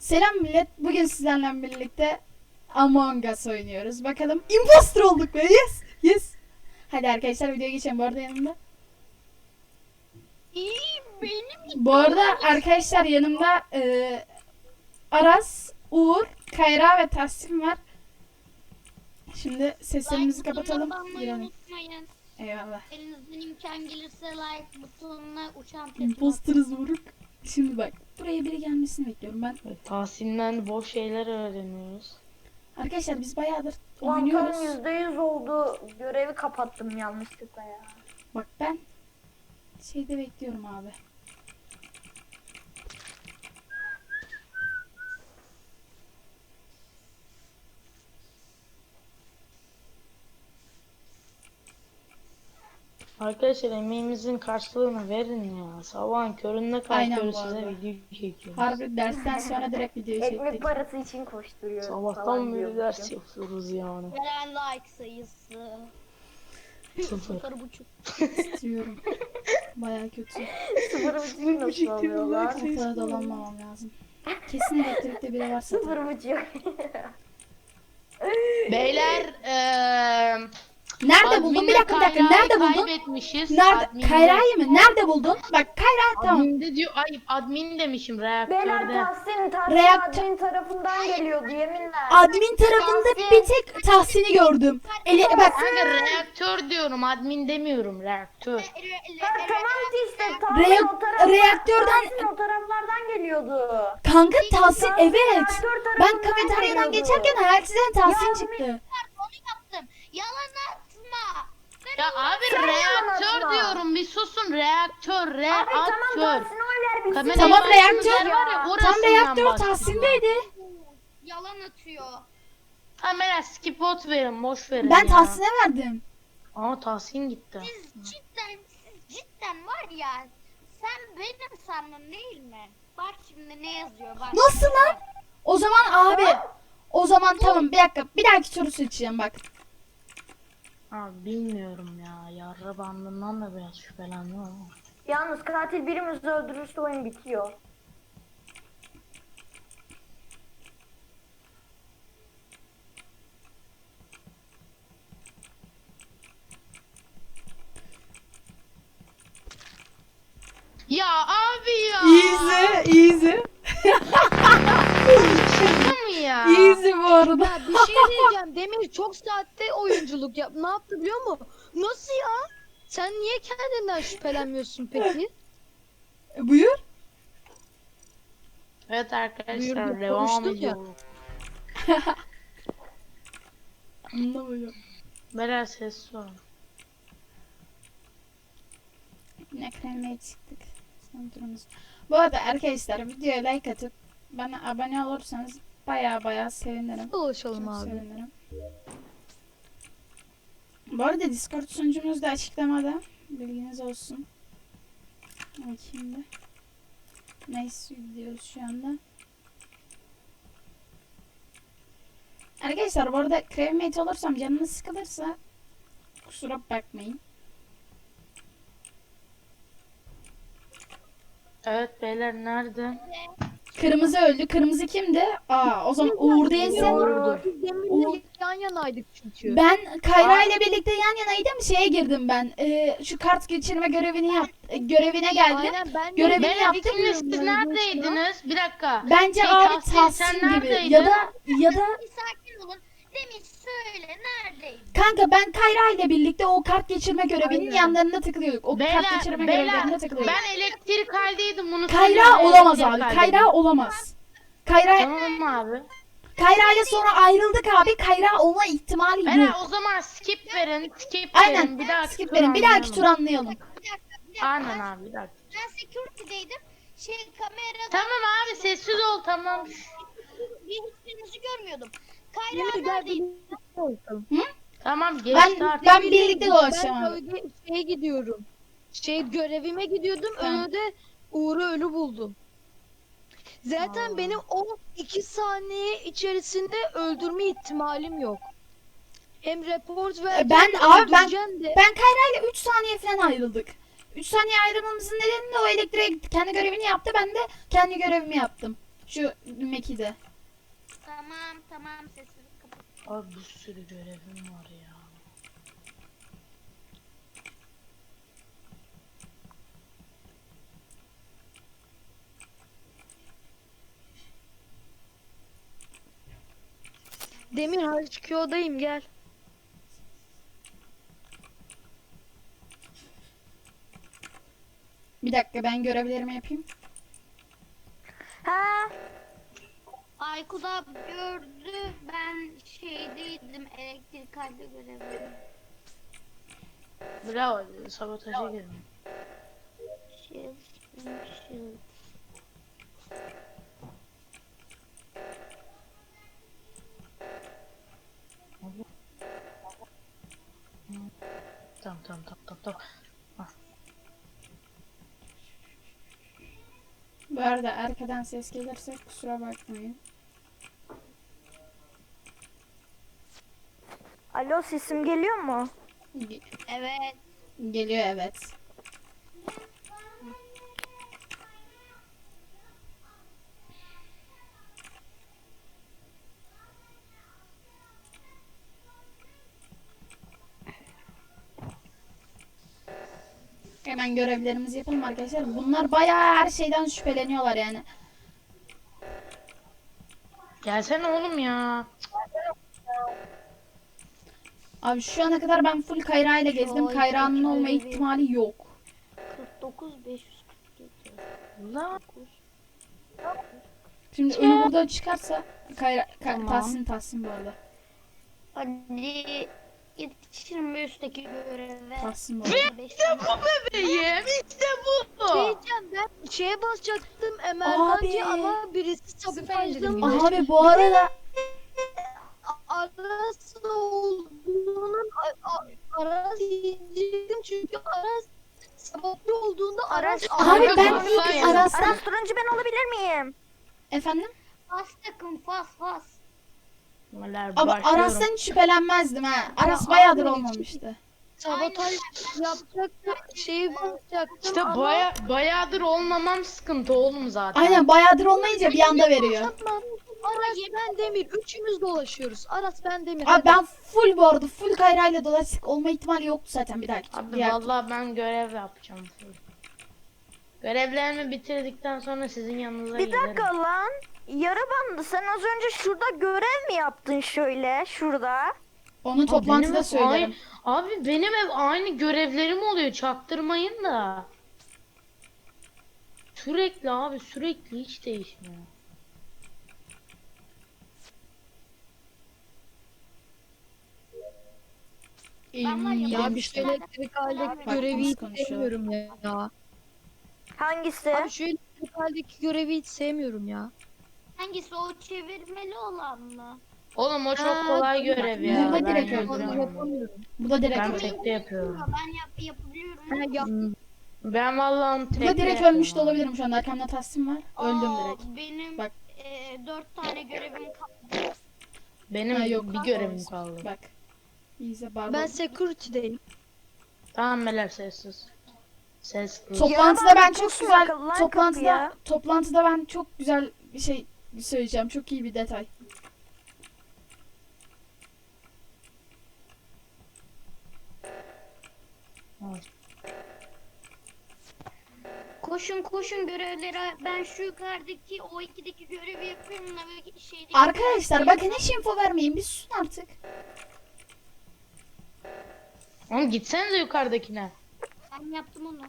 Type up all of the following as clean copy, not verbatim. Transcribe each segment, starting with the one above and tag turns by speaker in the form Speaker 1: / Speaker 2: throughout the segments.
Speaker 1: Selam millet. Bugün sizlerle birlikte Among Us oynuyoruz. Bakalım imposter olduk be. Yes. Yes. Hadi arkadaşlar videoya geçelim. Bu arada yanımda. Bu arada arkadaşlar yanımda Aras, Uğur, Kayra ve Tahsin var. Şimdi seslerimizi kapatalım. Girelim.
Speaker 2: Unutmayın.
Speaker 1: Eyvallah.
Speaker 2: Elinizden imkan gelirse like butonuna uçan tepki
Speaker 1: Imposterız vuruk. Şimdi bak. Buraya biri gelmesini bekliyorum ben.
Speaker 3: Tahsin'den boş şeyler öğreniyoruz.
Speaker 1: Arkadaşlar biz bayağıdır
Speaker 4: Ulan
Speaker 1: oynuyoruz.
Speaker 4: tam %100 oldu. Görevi kapattım yanlışlıkla ya.
Speaker 1: Bak ben şeyde bekliyorum abi.
Speaker 3: Arkadaşlar emeğimizin karşılığını verin ya. Sabahın köründe
Speaker 1: Aynen
Speaker 3: kalkıyoruz
Speaker 1: bu
Speaker 3: size
Speaker 1: arada.
Speaker 3: video çekiyoruz.
Speaker 1: Harbi dersten sonra direkt video
Speaker 4: Ekmek
Speaker 1: çektik.
Speaker 4: parası için koşturuyorum.
Speaker 3: Sabahtan
Speaker 4: falan
Speaker 3: beri
Speaker 4: diyormuşum.
Speaker 3: ders yapıyoruz yani.
Speaker 2: veren like sayısı.
Speaker 3: Sıfır.
Speaker 2: 0,5.
Speaker 1: İstiyorum. Baya kötü.
Speaker 4: 0,5 nasıl alıyorlar?
Speaker 1: Kafaya dolanmamam lazım. Kesin elektrikte biri varsa.
Speaker 4: 0,5.
Speaker 3: Beyler
Speaker 1: Nerede buldun? Bir dakika. Nerede buldun?
Speaker 3: Kaybetmişiz.
Speaker 1: Nerede? Kayra'yı mı? Nerede buldun? Bak Kayra tamam.
Speaker 3: Adminde diyor, ayıp admin demişim
Speaker 4: Beyler
Speaker 3: reaktörde.
Speaker 4: Tahsin
Speaker 1: Reaktör-
Speaker 4: admin tarafından geliyordu yeminle.
Speaker 1: Admin tarafında bir tek Tahsin'i gördüm. Bak
Speaker 3: Kanka reaktör diyorum, admin demiyorum, reaktör.
Speaker 4: Ha, tamam işte Tahsin
Speaker 1: Reak-
Speaker 4: o taraftan,
Speaker 1: reaktörden-
Speaker 4: Tahsin o taraflardan geliyordu.
Speaker 1: kanka Tahsin evet.
Speaker 4: reaktör
Speaker 1: Ben
Speaker 4: tarafından
Speaker 1: kafeteryadan
Speaker 4: geliyordu.
Speaker 1: geçerken hayalsizden Tahsin
Speaker 4: Ya,
Speaker 1: çıktı.
Speaker 2: Onu yaptım. Yalan atma.
Speaker 3: Ya abi
Speaker 4: Sen
Speaker 3: reaktör
Speaker 4: anlatma.
Speaker 3: diyorum, bir susun, reaktör,
Speaker 4: Abi tamam
Speaker 3: reaktör.
Speaker 4: Tahsin oylar bitsin.
Speaker 3: Kamera
Speaker 1: Tamam,
Speaker 3: başımız
Speaker 1: reaktör.
Speaker 3: yer var ya,
Speaker 1: Tam
Speaker 3: orasından
Speaker 1: reaktör
Speaker 3: bahsediyorum.
Speaker 1: Tahsin'deydi.
Speaker 2: Yalan atıyor.
Speaker 3: Kamera skip out verin, boş verin
Speaker 1: Ben
Speaker 3: ya.
Speaker 1: Tahsin'e verdim.
Speaker 3: Ama Tahsin gitti.
Speaker 2: Siz cidden var ya. Sen benim sandın değil mi? Bak şimdi ne yazıyor bak.
Speaker 1: Nasıl lan? O zaman abi. O zaman tamam bir dakika. Bir dahaki soru seçeceğim bak.
Speaker 3: Abi bilmiyorum ya, yarra bandından da biraz şüphelendim ama.
Speaker 4: Yalnız katil birimizi öldürürse oyun bitiyor.
Speaker 3: Ya abi ya.
Speaker 1: Easy.
Speaker 3: Şaka mı ya?
Speaker 1: Easy bu arada.
Speaker 5: Ya bir şey diyeceğim. Demir çok saatte oyunculuk yap. Ne yaptı biliyor musun? Nasıl ya? Sen niye kendinden şüphelenmiyorsun peki?
Speaker 1: Buyur.
Speaker 3: Evet arkadaşlar,
Speaker 5: Buyurduk,
Speaker 3: devam
Speaker 5: konuştuk ya.
Speaker 3: ediyoruz.
Speaker 1: Anlamıyorum.
Speaker 3: Beyler ses var.
Speaker 1: Ne kremeye çıktık. Son turumuz. Bu arada arkadaşlar videoya like atıp bana abone olursanız baya sevinirim.
Speaker 5: Dolaşalım
Speaker 1: Çok
Speaker 5: abi.
Speaker 1: sevinirim. Bu arada Discord sunucumuz da açıklamada. Bilginiz olsun. Bakayım da. Nice gidiyoruz şu anda. Arkadaşlar bu arada crewmate olursam canınız sıkılırsa kusura bakmayın.
Speaker 3: Evet beyler, nerede?
Speaker 1: Kırmızı öldü. Kırmızı kimdi? Aa o zaman Uğur değilse.
Speaker 4: Doğru.
Speaker 5: Biz
Speaker 1: Uğur.
Speaker 5: Demir'le yan yanaydık çünkü.
Speaker 1: Ben Kayra ile birlikte yan yanaydım. Şeye girdim ben. Şu kart geçirme görevine geldim.
Speaker 5: Aynen ben de
Speaker 1: Görevi-
Speaker 3: Beyler
Speaker 1: yaptım
Speaker 3: ikiniz siz
Speaker 5: ben de
Speaker 3: neredeydiniz? Bir dakika.
Speaker 1: Bence
Speaker 3: Şey,
Speaker 1: abi
Speaker 3: sen
Speaker 1: Tahsin gibi
Speaker 3: neredeydin?
Speaker 1: ya da
Speaker 2: Bir sakin olun. Demin söyle neredeydin?
Speaker 1: kanka ben Kayra ile birlikte o kart geçirme görevinin
Speaker 5: Aynen.
Speaker 1: yanlarında takılıyorduk. O kart geçirme görevlerinde takılıyorduk.
Speaker 3: Ben elektrik haldeydim, bunu
Speaker 1: Kayra
Speaker 3: söyleyeyim.
Speaker 1: olamaz
Speaker 3: Elektrik
Speaker 1: abi.
Speaker 3: haldeydim.
Speaker 1: Kayra olamaz. Kayra
Speaker 3: Tamam abi.
Speaker 1: ile sonra ayrıldık abi. Kayra olma ihtimali
Speaker 3: Beyler
Speaker 1: yok.
Speaker 3: o zaman skip verin, skip
Speaker 1: Aynen.
Speaker 3: verin. Bir dahaki
Speaker 1: Skip
Speaker 3: tur
Speaker 1: verin. Bir dahaki tur
Speaker 3: anlayalım.
Speaker 1: anlayalım.
Speaker 2: Bir dakika.
Speaker 3: Aynen abi, bir dakika.
Speaker 2: Ben security'deydim. Kamerada
Speaker 3: Tamam abi, sessiz ol, tamam.
Speaker 2: hiçbirinizi görmüyordum.
Speaker 5: Demir
Speaker 2: Kayra
Speaker 5: gel
Speaker 2: neredeydi?
Speaker 5: birlikte dolaşalım.
Speaker 3: Tamam, geçti artık.
Speaker 1: Ben birlikte dolaşacağım
Speaker 5: Ben
Speaker 1: abi.
Speaker 5: köyde şeye gidiyorum. Görevime gidiyordum.
Speaker 1: Tamam.
Speaker 5: Önünde Uğur'u ölü buldum. Zaten
Speaker 3: Aa.
Speaker 5: benim o 2 saniye içerisinde öldürme ihtimalim yok. Hem report vereceğim
Speaker 1: ben-
Speaker 5: de
Speaker 1: abi ben-
Speaker 5: öldüreceğim de.
Speaker 1: Ben Kayra ile 3 saniye falan ayrıldık. 3 saniye ayrılmamızın nedeni de o elektriğe gitti. Kendi görevini yaptı. Ben de kendi görevimi yaptım. Şu Meki'de.
Speaker 2: Tamam sesini kapat.
Speaker 3: Abi bir sürü görevim var ya.
Speaker 5: Demir HQ'dayım gel.
Speaker 1: Bir dakika ben görevlerimi yapayım.
Speaker 4: Ha,
Speaker 2: Aykut abi gördü. Ben şeydeydim. Elektrik halde görevi.
Speaker 3: Bravo, sabotaja girdim.
Speaker 2: Shield.
Speaker 3: Tamam.
Speaker 1: Bu arada arkadan ses gelirse kusura bakmayın.
Speaker 4: alo sesim geliyor mu?
Speaker 1: Ge-
Speaker 2: Evet.
Speaker 1: Geliyor evet. Hemen görevlerimizi yapalım arkadaşlar. Bunlar bayağı her şeyden şüpheleniyorlar yani.
Speaker 3: Gelsene oğlum ya.
Speaker 1: Abi şu ana kadar ben full Kayra ile gezdim.
Speaker 2: Oy,
Speaker 1: Kayra'nın olma
Speaker 2: görevi.
Speaker 1: ihtimali yok.
Speaker 2: 49 547.
Speaker 3: Lan.
Speaker 1: Şimdi ölü burada çıkarsa Kayra
Speaker 2: Tamam.
Speaker 1: Tahsin bu arada.
Speaker 2: Hadi yetişirim bir üstteki göreve.
Speaker 1: Tahsin bu arada.
Speaker 3: Bebeğim işte bu.
Speaker 5: Diyeceğim ben şeye basacaktım emergency
Speaker 1: Abi.
Speaker 5: ama birisi sabotajlamış.
Speaker 1: Abi bu arada
Speaker 5: Aras olduğunun Aras diyecektim çünkü Aras sabotajı olduğunda Aras
Speaker 1: abi ben
Speaker 3: Kanka,
Speaker 1: ilk
Speaker 3: konuşmayın.
Speaker 1: Aras'tan
Speaker 4: Aras turuncu ben olabilir miyim?
Speaker 1: efendim
Speaker 2: Fas takım fas.
Speaker 1: ama Aras'tan hiç şüphelenmezdim ha. Aras bayağıdır olmamıştı.
Speaker 5: sabotaj yapacaktım şeyi basacaktım
Speaker 3: İşte
Speaker 5: ama
Speaker 3: bayağıdır olmamam sıkıntı oğlum zaten.
Speaker 1: Aynen bayağıdır olmayınca bir anda veriyor.
Speaker 5: Tamam. Aras ben Demir üçümüz dolaşıyoruz. Aras ben Demir.
Speaker 1: Abi
Speaker 5: hadi.
Speaker 1: ben full bu arada full Kayra ile dolaştık olma ihtimali yoktu zaten bir dahaki.
Speaker 3: Abi
Speaker 1: diğer-
Speaker 3: vallahi ben görev yapacağım. Görevlerimi bitirdikten sonra sizin yanınıza
Speaker 4: Bir
Speaker 3: gelirim.
Speaker 4: dakika lan. Yarı bandı sen az önce şurada görev mi yaptın şöyle şurada?
Speaker 1: Onu toplantıda
Speaker 3: Benim
Speaker 1: söylerim.
Speaker 3: Abi benim hep aynı görevlerim oluyor, çaktırmayın da. Sürekli hiç değişmiyor.
Speaker 2: Ben var ya,
Speaker 5: Ya bir
Speaker 1: Yemiştim.
Speaker 5: şu elektrik haldeki
Speaker 1: Bak,
Speaker 5: görevi
Speaker 1: nasıl
Speaker 5: hiç
Speaker 1: konuşuyor.
Speaker 5: sevmiyorum ya.
Speaker 4: Hangisi?
Speaker 5: Abi şu elektrik haldeki görevi hiç sevmiyorum ya.
Speaker 2: Hangisi o çevirmeli olan mı?
Speaker 3: Oğlum o çok
Speaker 5: Ha,
Speaker 3: kolay görev ya.
Speaker 1: Burada
Speaker 3: Ben
Speaker 1: direkt
Speaker 3: yapıyorum
Speaker 1: öldürüyor.
Speaker 3: onu.
Speaker 5: Yapamıyorum.
Speaker 1: Bu da direkt
Speaker 3: Ben
Speaker 1: öldü.
Speaker 3: tekte yapıyorum.
Speaker 2: Ben yapabiliyorum.
Speaker 5: Ha, yap.
Speaker 3: Ben vallahi onu
Speaker 1: Bu
Speaker 3: tekte
Speaker 1: da direkt
Speaker 3: yapıyorum
Speaker 1: ölmüş de
Speaker 3: abi.
Speaker 1: olabilirim şu anda. Arkamda Tahsin var. Öldüm direkt.
Speaker 2: Benim
Speaker 1: Bak.
Speaker 2: 4 tane görevim kaldı.
Speaker 3: Benim
Speaker 1: Ha, yok.
Speaker 3: bir görevim kaldı.
Speaker 1: Bak. İyice barbar.
Speaker 5: Ben security'deyim.
Speaker 3: Tamam beyler sessiz. Ses kız.
Speaker 1: Toplantıda ben
Speaker 4: Yalan
Speaker 1: çok
Speaker 4: kusma
Speaker 1: güzel
Speaker 4: akıllı lan
Speaker 1: toplantıda
Speaker 4: kapıya.
Speaker 1: toplantıda ben çok güzel bir şey söyleyeceğim. Çok iyi bir detay.
Speaker 2: Koşun görevlere. Ben şu yukarıdaki o 2'deki görevi yapıyorum da böyle şeydeki.
Speaker 1: Arkadaşlar bakın hiç info vermeyin. Bir susun artık.
Speaker 3: Oğlum gitsenize yukarıdakine.
Speaker 2: Ben yaptım onu.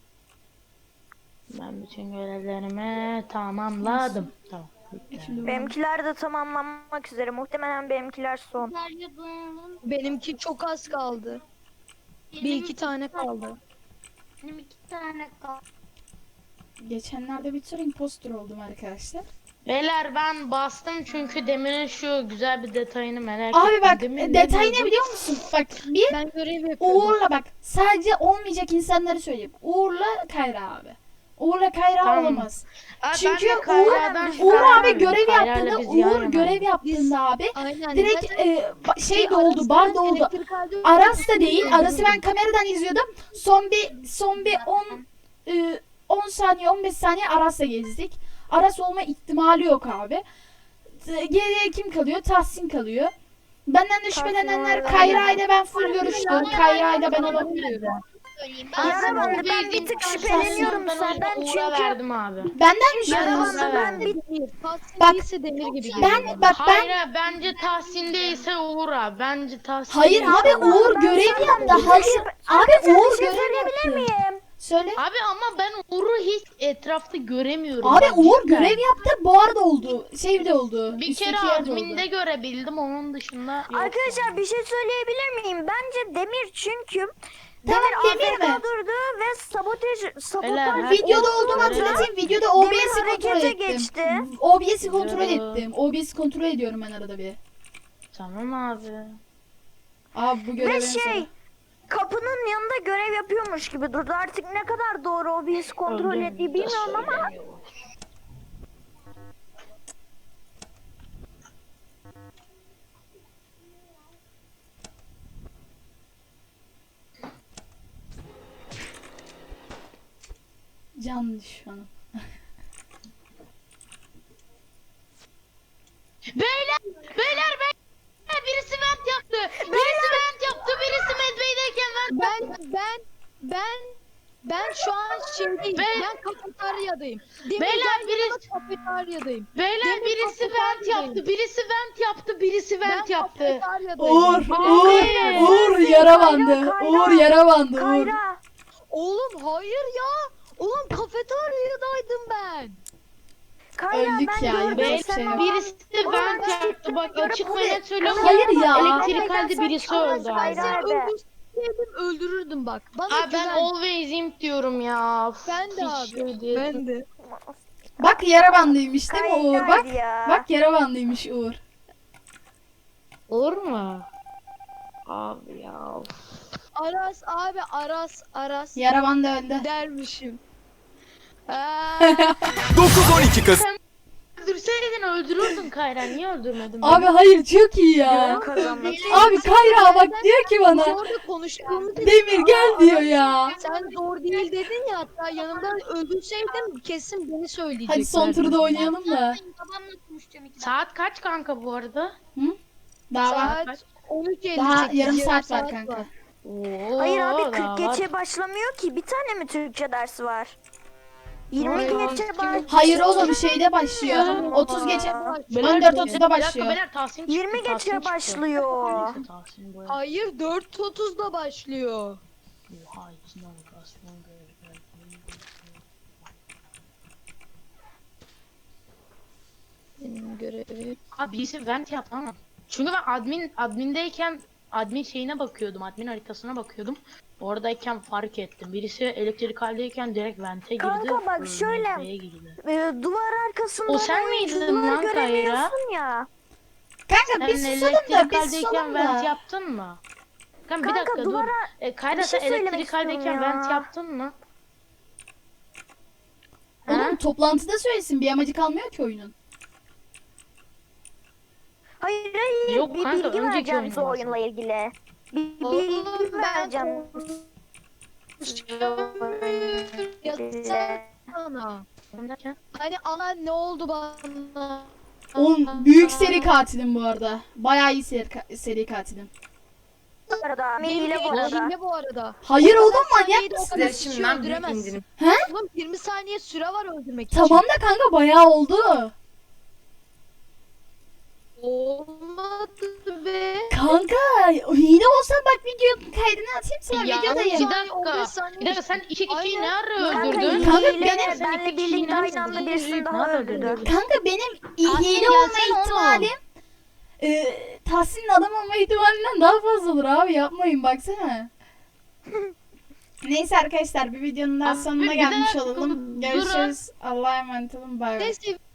Speaker 3: Ben bütün görevlerimi tamamladım. Tamam. bitti.
Speaker 1: Şimdi
Speaker 4: Benimkiler de tamamlanmak üzere. Muhtemelen benimkiler son.
Speaker 2: Sarıyordum.
Speaker 5: Benimki çok az kaldı. Bir iki tane kaldı.
Speaker 2: Benim 2 tane kaldı.
Speaker 1: geçenlerde bir tür imposter oldum arkadaşlar.
Speaker 3: Beyler ben bastım çünkü Demir'in şu güzel bir detayını merak
Speaker 1: Abi
Speaker 3: ettim.
Speaker 1: bak
Speaker 3: Demir
Speaker 1: detay
Speaker 3: diyordu?
Speaker 1: ne biliyor musun? Bak bir
Speaker 5: Ben görev yapıyorum.
Speaker 1: Uğur'la bak sadece olmayacak insanları söyleyeyim. Uğur'la Kayra abi. Uğur'la Kayra
Speaker 3: Tamam.
Speaker 1: olamaz.
Speaker 3: Aa,
Speaker 1: Çünkü
Speaker 3: ben de Kayra'dan
Speaker 1: Uğur abi
Speaker 3: şüphelenmiyorum.
Speaker 1: görev
Speaker 3: Kayra'yla
Speaker 1: yaptığında
Speaker 3: biz yan
Speaker 1: Uğur görev
Speaker 3: yanayız.
Speaker 1: yaptığında abi
Speaker 5: Aynen.
Speaker 1: direkt
Speaker 5: zaten
Speaker 1: şey doldu, bar doldu.
Speaker 5: elektrik halde-
Speaker 1: Aras da değil. Aras'ı ben kameradan izliyordum. Son bir 10 saniye 15 saniye Aras'la gezdik. Aras olma ihtimali yok abi. Geriye kim kalıyor? Tahsin kalıyor. Benden de şüphelenenler
Speaker 4: var.
Speaker 1: Kayra ile ben full görüştüm. Kayra ile ben olabilirim.
Speaker 2: Söyleyeyim.
Speaker 4: Yarabandı ben bir tık şüpheleniyorum senden
Speaker 3: Uğur'a
Speaker 4: çünkü
Speaker 3: verdim abi.
Speaker 1: Benden mi
Speaker 4: Yarabandı
Speaker 1: şüpheleniyorsun?
Speaker 4: ben bir
Speaker 5: Demir. Tahsin
Speaker 1: Bak,
Speaker 5: değilse Demir gibi geliyor
Speaker 1: Ben
Speaker 5: bana.
Speaker 1: bak ben
Speaker 3: Hayır bence Tahsin değilse Uğur abi. Bence Tahsin
Speaker 1: hayır
Speaker 3: değilse
Speaker 1: abi
Speaker 3: Uğur.
Speaker 1: Uğur görev yaptı. Hayır abi Uğur
Speaker 4: bir şey
Speaker 1: görev
Speaker 4: söyleyebilir
Speaker 1: yaptı.
Speaker 4: miyim?
Speaker 1: Söyle.
Speaker 3: Abi ama ben Uğur'u hiç etrafta göremiyorum.
Speaker 1: Abi
Speaker 3: Bak
Speaker 1: Uğur
Speaker 3: cidden.
Speaker 1: görev yaptı. Bu arada oldu. Şey de oldu.
Speaker 3: Bir
Speaker 1: üstteki
Speaker 3: kere
Speaker 1: yerde
Speaker 3: adminde
Speaker 1: oldu.
Speaker 3: görebildim, onun dışında yok.
Speaker 4: Arkadaşlar bir şey söyleyebilir miyim? Bence Demir çünkü
Speaker 1: Tamam, Demir
Speaker 4: AFK
Speaker 1: mi?
Speaker 4: durdu ve sabotaj
Speaker 3: Beyler,
Speaker 1: Videoda
Speaker 3: Uğur
Speaker 1: olduğumu
Speaker 3: görev-
Speaker 1: hatırlatayım. Videoda
Speaker 4: Demir
Speaker 1: OBS'i kontrol
Speaker 4: harekete
Speaker 1: ettim.
Speaker 4: geçti.
Speaker 1: OBS'i kontrol
Speaker 3: Biliyorum.
Speaker 1: ettim. OBS'i kontrol ediyorum ben arada bir.
Speaker 3: Tamam abi.
Speaker 1: Abi bu
Speaker 4: Ve
Speaker 1: görevin
Speaker 4: şey kapının yanında görev yapıyormuş gibi durdu. Artık ne kadar doğru OBS kontrol
Speaker 3: Öldüğünü
Speaker 4: ettiği
Speaker 3: de
Speaker 4: bilmiyorum ama
Speaker 3: söylemiyor.
Speaker 1: can düşmanım.
Speaker 3: Beyler, birisi vent yaptı. Birisi vent yaptı. Birisi medbeydeyken vent.
Speaker 5: Ben şu an şeydeyim.
Speaker 3: Ben-
Speaker 5: Ben kafeteryadayım. Demir
Speaker 3: Beyler,
Speaker 5: gel yanıma,
Speaker 3: birisi-
Speaker 5: kafeteryadayım.
Speaker 3: Beyler
Speaker 5: Demir
Speaker 3: birisi vent
Speaker 5: kafeteryadayım.
Speaker 3: yaptı. Birisi vent yaptı. Birisi vent
Speaker 5: Ben
Speaker 3: yaptı.
Speaker 5: kafeteryadayım.
Speaker 1: Uğur,
Speaker 3: Abi.
Speaker 1: Uğur yara bandı.
Speaker 4: Kayra.
Speaker 1: Uğur yara bandı. Uğur.
Speaker 4: Kayra.
Speaker 5: Oğlum hayır ya. Oğlum kafeteryadaydım ben.
Speaker 4: Kayra
Speaker 1: Öldük
Speaker 4: ben
Speaker 1: ya,
Speaker 4: gördüm
Speaker 1: yapacak bir
Speaker 4: sen
Speaker 1: şey yok.
Speaker 4: ama-
Speaker 3: Birisi
Speaker 4: Oğlum,
Speaker 3: vent
Speaker 4: ben
Speaker 3: yaptı. Bak
Speaker 4: görüp
Speaker 3: açık
Speaker 4: hadi-
Speaker 3: ve net söylüyorum.
Speaker 1: Hayır ya.
Speaker 3: Elektrikalde birisi öldü abi.
Speaker 4: Kayra
Speaker 5: Sen
Speaker 4: be.
Speaker 5: öldürseydim öldürürdüm bak. Bana
Speaker 3: Abi ben
Speaker 5: güven.
Speaker 3: always imp diyorum ya.
Speaker 5: Ben de
Speaker 3: Hiç
Speaker 5: abi.
Speaker 3: şey değil.
Speaker 5: Ben de.
Speaker 1: Bak yara bandıymış değil mi Uğur? Bak.
Speaker 4: Kayra'ydı ya.
Speaker 1: Bak yara bandıymış Uğur.
Speaker 3: Olur mu? Abi ya.
Speaker 5: Aras abi Aras
Speaker 1: Yara bandı öldü.
Speaker 5: dermişim. Aa,
Speaker 6: 9-12 Kasım.
Speaker 3: Öldürseydin öldürürdün Kayra. Niye öldürmedin?
Speaker 1: Abi hayır çok iyi ya.
Speaker 4: Kazanmak.
Speaker 1: Abi Kayra bak diyor ki
Speaker 5: biz
Speaker 1: bana.
Speaker 5: orada konuştuğumuz için-
Speaker 1: Demir gel diyor ya.
Speaker 5: Sen doğru değil dedin ya, hatta yanımda öldürseydin kesin beni söyleyecekler.
Speaker 1: Hadi son turda oynayalım da.
Speaker 2: Babamla konuşacağım 2 dakika.
Speaker 3: Saat kaç kanka bu arada?
Speaker 1: Daha var.
Speaker 5: Saat 13.58.
Speaker 1: Daha yarım saat var kanka.
Speaker 3: Oo,
Speaker 4: Hayır abi
Speaker 3: daha
Speaker 4: 40
Speaker 3: var.
Speaker 4: geçe başlamıyor ki. Bir tane mi Türkçe dersi var? 20
Speaker 3: Hayır,
Speaker 4: geçe
Speaker 3: kim-
Speaker 4: baş.
Speaker 1: Hayır oğlum şeyde başlıyor. 30 geçe. 14.30'da başlıyor.
Speaker 3: Beyler Tahsin çıktı.
Speaker 4: 20
Speaker 3: Tahsin
Speaker 4: geçe
Speaker 3: çıktı.
Speaker 4: başlıyor.
Speaker 3: Neyse, Tahsin bu.
Speaker 5: Hayır 4.30'da başlıyor.
Speaker 3: Oha içine lokasyon görev.
Speaker 5: Benim görevim.
Speaker 3: Abi birisi vent yaptı ama. Çünkü ben admindeyken admin şeyine bakıyordum. Admin haritasına bakıyordum. Oradayken fark ettim. Birisi elektrikaldeyken direkt vente girdi.
Speaker 4: Kanka bak şöyle.
Speaker 3: medbeye girdi.
Speaker 4: Duvar arkasında
Speaker 3: O sen miydin lan Kayra?
Speaker 4: göremiyorsun ya.
Speaker 1: Kanka
Speaker 3: Sen
Speaker 1: biz susalım da biz
Speaker 3: elektrikaldeyken
Speaker 1: susalım
Speaker 3: vent
Speaker 1: da.
Speaker 3: yaptın mı? Kanka bir
Speaker 4: Kanka
Speaker 3: dakika dur.
Speaker 4: duvara
Speaker 3: Kayra
Speaker 4: bir şey
Speaker 3: sen
Speaker 4: söylemek
Speaker 3: elektrikaldeyken
Speaker 4: istiyorum
Speaker 3: vent
Speaker 4: ya.
Speaker 3: yaptın mı? Ha?
Speaker 1: Oğlum toplantıda söylesin. Bir amacı kalmıyor ki oyunun.
Speaker 4: hayır
Speaker 3: Yok
Speaker 4: bir
Speaker 3: kanka,
Speaker 4: bilgi
Speaker 3: önceki
Speaker 4: vereceğim
Speaker 3: oyun
Speaker 4: size
Speaker 3: var.
Speaker 4: oyunla ilgili. Bir
Speaker 5: Oğlum,
Speaker 4: bilgi
Speaker 5: ben
Speaker 4: vereceğim.
Speaker 5: Yatsana ana.
Speaker 3: Derken?
Speaker 5: Hani ana ne oldu bana?
Speaker 1: Oğlum büyük seri katilim bu arada. Bayağı iyi seri katilim.
Speaker 4: Bu arada.
Speaker 5: Benim
Speaker 4: Hile bu arada.
Speaker 5: hile bu arada.
Speaker 1: Hayır oğlum manyak
Speaker 5: Saniyede o
Speaker 1: mısın?
Speaker 5: kadar kişi öldüremezsin.
Speaker 1: He?
Speaker 5: Oğlum 20 saniye süre var öldürmek için.
Speaker 1: Tamam da kanka bayağı oldu.
Speaker 5: Olmadı be.
Speaker 1: Kanka hile olsa bak videonun kaydını atayım sana
Speaker 3: Ya
Speaker 1: videodayım.
Speaker 5: 15
Speaker 3: dakika.
Speaker 5: saniye.
Speaker 3: Bir dakika sen iki kişiyi ne ara
Speaker 4: Kanka
Speaker 3: öldürdün?
Speaker 1: Kanka,
Speaker 4: hile
Speaker 1: benim-
Speaker 4: benle birlikte aynı anda birisini daha öldürdü.
Speaker 1: Kanka benim
Speaker 3: Tahsin
Speaker 1: hile olma
Speaker 3: gelsene oğlum.
Speaker 1: ihtimalim Tahsin'in adam olma ihtimalinden daha fazla olur abi yapmayın baksana. Neyse arkadaşlar bir videonun daha
Speaker 3: Abi,
Speaker 1: sonuna
Speaker 3: bir
Speaker 1: gelmiş
Speaker 3: dakika,
Speaker 1: olalım.
Speaker 3: durun.
Speaker 1: Görüşürüz. Allah'a emanet olun. Bay bay.
Speaker 5: Neyse